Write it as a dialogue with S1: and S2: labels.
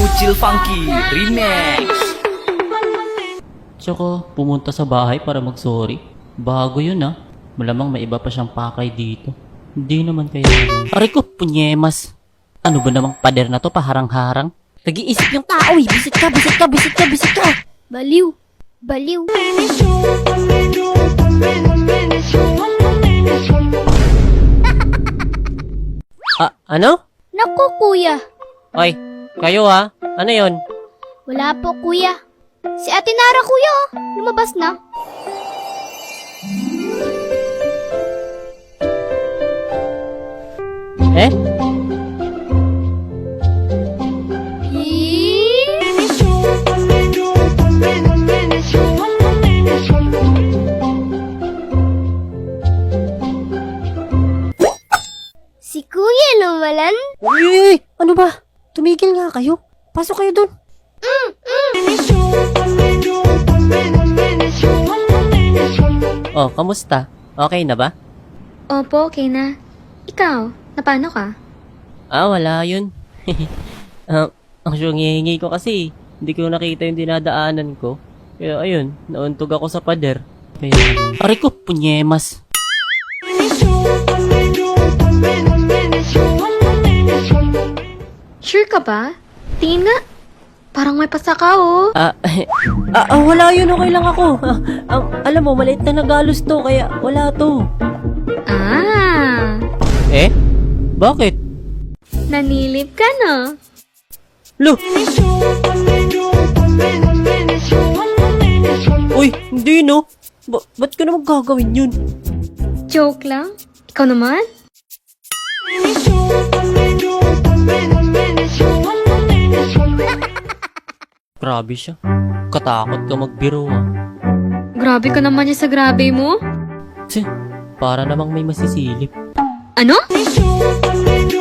S1: Kuchil Funky Remix.
S2: Tsaka pumunta sa bahay para mag-sorry. Bago yun ah. Malamang may iba pa siyang pakay dito. Hindi naman kaya. Aray ko, punyemas. Ano ba namang pader na to, paharang-harang? Nag-iisip yung tao eh. Bisit ka, bisit ka, bisit ka, bisit ka.
S3: Baliw. Baliw.
S2: Ano?
S3: Naku, kuya.
S2: Oy, kayo ha? Ano yon?
S3: Wala po, kuya. Si Ate Nara, kuya, oh. Lumabas na.
S2: Eh?
S3: Si kuya lumalan.
S2: Uy! Ano ba? Tumigil nga kayo. Pasok kayo dun. Oh, kamusta? Okay na ba?
S4: Opo, okay na. Ikaw, napano ka?
S2: Wala yun. Ang hihingi ko kasi, hindi ko nakita yung dinadaanan ko. Kaya ayun, nauntog ako sa pader. Kaya, aray ko, punyemas.
S4: Sure ka ba? Tingin nga. Parang may pasaka, oh.
S2: Wala yun, okay lang ako. Alam mo, maliit na nagalos to, kaya wala to.
S4: Ah,
S2: Eh? Bakit?
S4: nanilip ka, no?
S2: Lo! Uy, hindi no. Ba't ka naman gagawin yun?
S4: Joke lang? Ikaw naman?
S2: Grabe siya. Katakot ka magbiro ah.
S4: Grabe ka naman yan sa grabe mo.
S2: Tse, para namang may masisilip.
S4: Ano?